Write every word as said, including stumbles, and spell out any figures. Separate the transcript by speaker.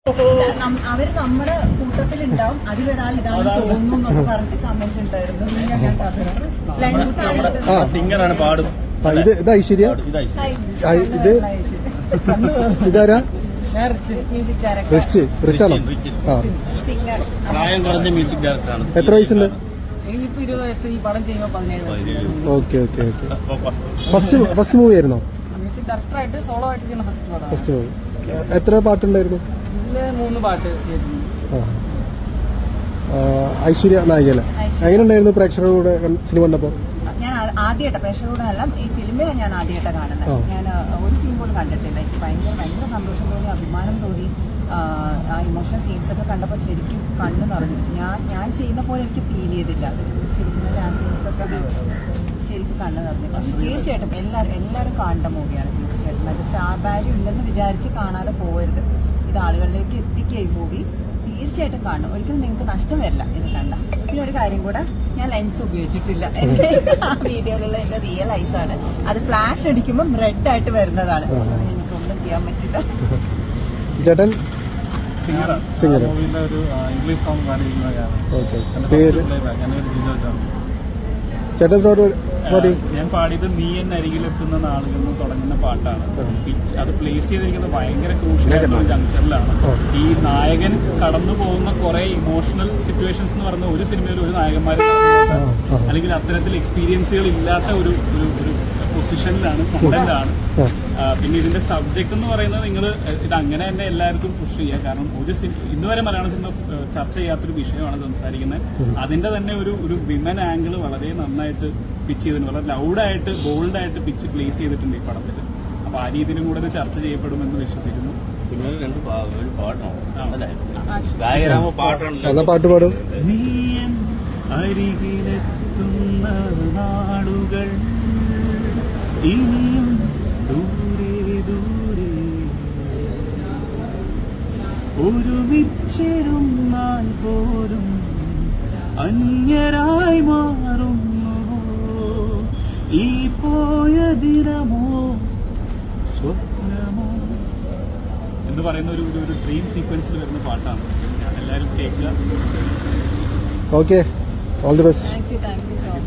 Speaker 1: അവര് നമ്മുടെ കൂട്ടത്തിലുണ്ടാവും, അതിലൊരാൾ ഇതാണ് തോന്നുന്നു എന്നൊക്കെ പറഞ്ഞിട്ട് കമന്റ് ഉണ്ടായിരുന്നു.
Speaker 2: സിംഗറാണ് പാടും.
Speaker 3: ഇത് ഇത് ഐശ്വര്യ, ഇത് ഇതാരാ? റിച്ച് റിച്ചാണോ? ആ,
Speaker 2: പ്രായം കുറഞ്ഞ മ്യൂസിക് ഡയറക്ടറാണ്.
Speaker 3: എത്ര വയസ്സുണ്ട്?
Speaker 1: ഇരുപത് വയസ്സ്. ഈ പടം ചെയ്യുമ്പോൾ പതിനേഴ് വയസ്സ്.
Speaker 3: Okay okay okay. First first movie ആയിരുന്നോ?
Speaker 1: മ്യൂസിക് ഡയറക്ടറായിട്ട് സോളോ ആയിട്ട് ചെയ്യുന്ന ഫസ്റ്റ് പടം.
Speaker 3: First movie. എത്ര പാട്ടുണ്ടായിരുന്നു?
Speaker 1: മൂന്ന് പാട്ട് ചെയ്തിട്ടുണ്ട്.
Speaker 3: ഐശ്വര്യ നായികല. എങ്ങനെയുണ്ടായിരുന്നു പ്രേക്ഷകരുടെ സിനിമ കണ്ടപ്പോൾ?
Speaker 1: ഞാൻ ആദ്യമായിട്ട് പ്രേക്ഷകരുടെ എല്ലാം ഈ ഫിലിമേ ഞാൻ ആദ്യമായിട്ട് കാണുന്നത്. ഞാൻ ഒരു സീൻ പോലും കണ്ടിട്ടില്ല. എനിക്ക് ഭയങ്കര ഭയങ്കര സന്തോഷം തോന്നി, അഭിമാനം തോന്നി. ആ ഇമോഷണൽ സീൻസ് ഒക്കെ കണ്ടപ്പോൾ ശരിക്കും കണ്ണ് നിറഞ്ഞു. ഞാൻ ഞാൻ ചെയ്യുന്ന പോലെ എനിക്ക് ഫീൽ ചെയ്തില്ല. ശരിക്കും ആ സീൻസ് ഒക്കെ ശരിക്കും കണ്ണ് നിറഞ്ഞു. പക്ഷെ തീർച്ചയായിട്ടും എല്ലാവരും എല്ലാവരും കാണേണ്ട മൂവിയാണ്. തീർച്ചയായിട്ടും അത് സ്റ്റാർ വാല്യൂ ഇല്ലെന്ന് വിചാരിച്ച് കാണാതെ പോകരുത്. ഇത് ആളുകളിലേക്ക് എത്തിക്കുക ഈ മൂവി. തീർച്ചയായിട്ടും കാണും. ഒരിക്കലും നിങ്ങൾക്ക് നഷ്ടം വരില്ല ഇത് കണ്ട. പിന്നെ ഒരു കാര്യം കൂടെ, ഞാൻ ലെൻസ് ഉപയോഗിച്ചിട്ടില്ല. എന്റെ വീഡിയോയിലുള്ള എന്റെ റിയൽ ഐസ് ആണ്. അത് ഫ്ലാഷ് അടിക്കുമ്പോൾ റെഡ് ആയിട്ട് വരുന്നതാണ്. എനിക്കൊന്നും ചെയ്യാൻ പറ്റില്ല.
Speaker 3: ചേട്ടൻ
Speaker 2: സിംഗറാണ്.
Speaker 3: സിംഗർ.
Speaker 2: ഒരു ഇംഗ്ലീഷ് സോങ് പാടിയിരിക്കുന്നതാണ്.
Speaker 3: ചേട്ടനോട്
Speaker 2: ഞാൻ പാടിയത് നീ എന്നെ അരികിലെത്തുന്ന നാളുകളിൽ നിന്ന് തുടങ്ങുന്ന പാട്ടാണ്. പിച്ച് അത് പ്ലേസ് ചെയ്തിരിക്കുന്നത് ഭയങ്കര ക്രൂഷ്യൽ ആയിട്ടുള്ള ഒരു ജംഗ്ഷനിലാണ്. ഈ നായകൻ കടന്നു പോകുന്ന കുറെ ഇമോഷണൽ സിറ്റുവേഷൻസ് എന്ന് പറയുന്ന ഒരു സിനിമയിൽ ഒരു നായകന്മാർ അല്ലെങ്കിൽ അത്തരത്തിൽ എക്സ്പീരിയൻസുകൾ ഇല്ലാത്ത ഒരു ഒരു പൊസിഷനിലാണ്, കണ്ടന്റാണ്. പിന്നെ ഇതിന്റെ സബ്ജക്ട് എന്ന് പറയുന്നത് നിങ്ങൾ ഇത് അങ്ങനെ തന്നെ എല്ലാവർക്കും പുഷ് ചെയ്യുക. കാരണം ഒരു ഇന്ന് വരെ മലയാള സിനിമ ചർച്ച ചെയ്യാത്തൊരു വിഷയമാണ് സംസാരിക്കുന്നത്. അതിന്റെ തന്നെ ഒരു ഒരു വിമൻ ആംഗിൾ വളരെ നന്നായിട്ട് പിച്ച് ചെയ്തിട്ടുണ്ട്. വളരെ ലൗഡായിട്ട് ബോൾഡായിട്ട് പിച്ച് പ്ലേസ് ചെയ്തിട്ടുണ്ട് ഈ പടത്തിൽ. അപ്പൊ ആ രീതിയിലും കൂടെ ഇത് ചർച്ച ചെയ്യപ്പെടുമെന്ന് വിശ്വസിക്കുന്നു.
Speaker 3: പാട്ട് പാടും.
Speaker 2: അരികിലെത്തുന്ന നാടുകൾ ഇനിയും ദൂരെ ദൂരെ ഒരുമിച്ചിരുന്നാൽ പോലും അന്യരായി മാറുന്നു. ഈ പോയ ദിനമോ സ്വപ്നമോ എന്ന് പറയുന്ന ഒരു ഒരു ഡ്രീം സീക്വൻസിൽ വരുന്ന പാട്ടാണ്. എല്ലാവരും കേൾക്കുക.
Speaker 3: Okay, all the best.
Speaker 1: Thank you thank you so much.